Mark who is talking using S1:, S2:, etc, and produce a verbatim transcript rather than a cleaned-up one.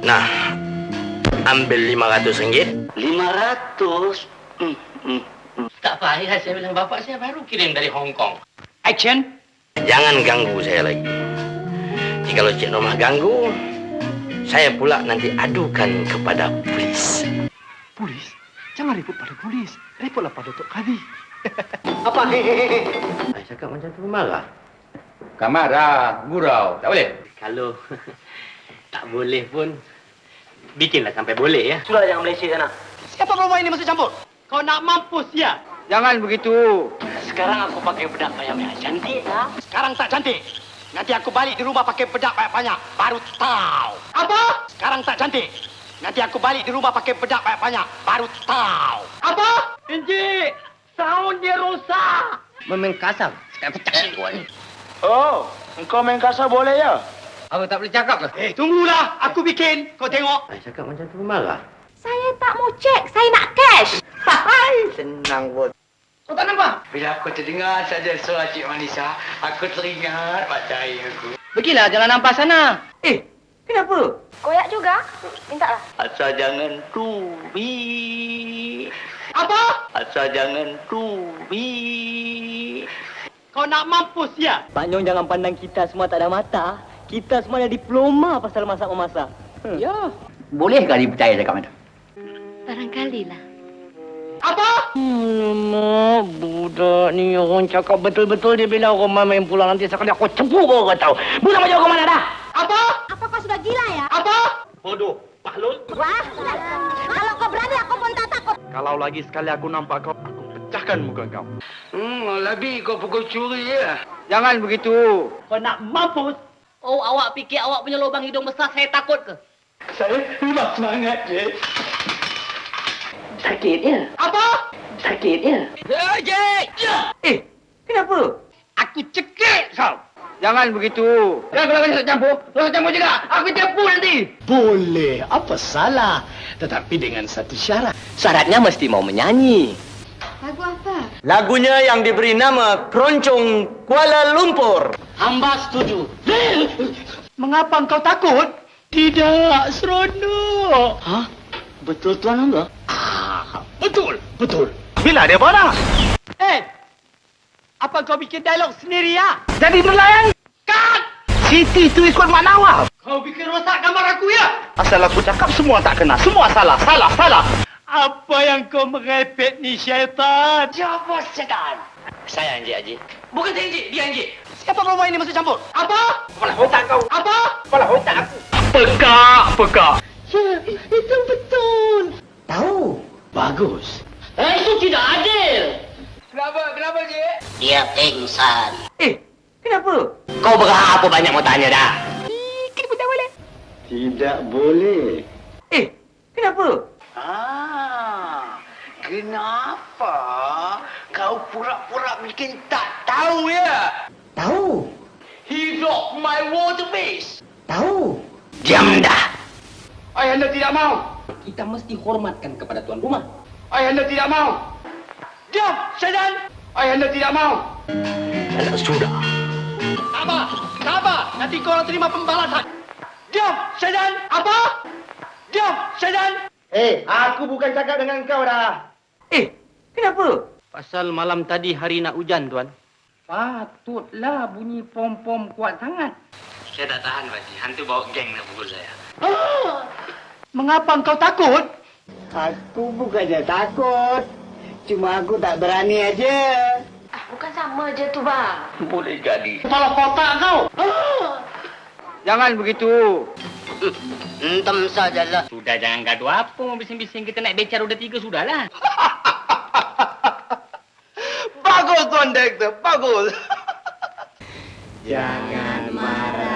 S1: Nah, ambil lima ratus ringgit.
S2: Lima ratus? Hmm, hmm.
S1: Tak payah, saya bilang bapak saya baru kirim dari Hong Kong.
S2: Action.
S1: Jangan ganggu saya lagi. Jikalau Cik Norma ganggu, saya pula nanti adukan kepada polis.
S3: Polis? Jangan repot pada polis. Repotlah pada Tok Kadi.
S2: Apa? Hehehe.
S1: Saya cakap macam tu marah.
S4: Bukan marah, gurau. Tak boleh?
S1: Kalau tak boleh pun, bikinlah sampai boleh ya.
S2: Sudah jangan Malaysia sana.
S3: Siapa perempuan ini masuk campur? Kau nak mampus ya?
S4: Jangan begitu.
S2: Sekarang aku pakai bedak banyak-banyak. Cantik tak?
S3: Sekarang tak cantik. Nanti aku balik di rumah pakai bedak banyak-banyak. Baru tahu. Apa? Sekarang tak cantik. Nanti aku balik di rumah pakai bedak banyak-banyak. Baru tahu. Apa?
S2: Encik, sound dia rosak.
S1: Memang kasar. Sekarang pecah kau ni.
S3: Oh, engkau main kasar boleh ya?
S4: Aku tak boleh cakap ke?
S3: Eh, tunggulah. Aku bikin. Kau tengok.
S1: Saya cakap macam tu marah.
S5: Saya tak mau cek, saya nak cash.
S1: Hai, senang bos.
S4: Kau tak nampak?
S2: Bila aku terdengar saja suara Cik Manisa, aku teringat macam aku.
S4: Pergilah, jangan nampak sana. Eh, kenapa?
S5: Koyak juga? Minta lah.
S2: Asal jangan tubi.
S3: Apa?
S2: Asal jangan tubi.
S3: Kau nak mampus ya?
S2: Pak Nyong jangan pandang kita semua tak ada mata. Kita semua ada diploma pasal masak-memasak. Hmm.
S4: Ya. Boleh kali percaya cakap macam?
S5: Barangkali lah.
S3: Apa?
S2: Alamak, budak ni orang cakap betul-betul dia bila orang main pulang nanti sekali aku cempuk baru kau tahu. Budak macam kau mana dah?
S3: Apa?
S5: Apa kau sudah gila ya?
S3: Apa?
S1: Bodoh, Pahlul.
S5: Wah, sudah. Kalau kau berani aku pun tak takut.
S3: Kalau lagi sekali aku nampak kau, aku pecahkan muka kau.
S2: Hmm, lebih kau pukul curi ya.
S4: Jangan begitu.
S3: Kau nak mampus?
S6: Oh, awak fikir awak punya lubang hidung besar saya takut ke?
S3: Saya memang semangat je.
S2: Sakitnya,
S3: Apa?
S2: sakitnya.
S4: Eh, kenapa?
S3: Aku cekik kau.
S4: Jangan begitu. Jangan kalau kau campur. Kau campur juga. Aku campur nanti.
S3: Boleh, apa salah? Tetapi dengan satu syarat.
S2: Syaratnya mesti mau menyanyi.
S5: Lagu apa?
S1: Lagunya yang diberi nama Keroncong Kuala Lumpur.
S2: Hamba setuju.
S3: Mengapa engkau takut? Tidak, seronok.
S2: Hah? Betul Tuan Hamba?
S3: Ah, betul, betul. Bila dia barang? Eh, apa kau bikin dialog sendiri ya?
S4: Jadi nelayan.
S3: Kat!
S4: Siti tu ikut Mak Nawab.
S3: Kau bikin rosak gambar aku ya?
S4: Asal aku cakap semua tak kena. Semua salah, salah, salah.
S3: Apa yang kau merepet ni, syaitan?
S2: Siapa sedan?
S1: Saya Encik Haji.
S6: Bukan saya, Encik. Dia, Encik.
S3: Siapa perempuan ini masuk campur? Apa?
S4: Kepala otak kau.
S3: Apa?
S4: Kepala otak aku.
S3: Pekak, pekak.
S2: Ya, itu betul.
S4: Tahu.
S3: Bagus.
S2: Eh, itu tidak adil.
S4: Kenapa? Kenapa, Cik?
S2: Dia pingsan.
S4: Eh, kenapa?
S1: Kau berapa banyak mau tanya dah?
S2: Tidak boleh.
S4: Eh, kenapa?
S2: Ah, kenapa kau pura-pura bikin tak tahu ya?
S4: Tahu.
S2: He rocked my water base.
S4: Tahu.
S1: Diam dah.
S4: Ayah anda tidak mau.
S6: Kita mesti hormatkan kepada tuan rumah.
S4: Ayah anda tidak mau.
S3: Diam, syaitan.
S4: Ayah anda tidak mau.
S1: Anak sudah.
S3: Apa? Apa? Nanti kau orang terima pembalasan. Diam, syaitan. Apa? Diam, syaitan.
S4: Eh, aku bukan cakap dengan kau dah. Eh, kenapa?
S6: Pasal malam tadi hari nak hujan, tuan.
S4: Patutlah bunyi pom-pom kuat sangat.
S1: Saya tak tahan, Pak Haji. Hantu bawa geng nak pukul saya.
S3: Mengapa engkau takut?
S2: Aku bukannya takut. Cuma aku tak berani aja.
S5: Ah, bukan sama je tu, bang.
S2: Boleh jadi.
S3: Kepala kotak kau.
S4: Jangan begitu.
S2: Entam sajalah.
S6: Sudah, jangan gaduh apa. Bising-bising kita naik beca roda tiga, sudahlah.
S4: Bagus, Tuan Direktor. Bagus.
S2: Jangan marah.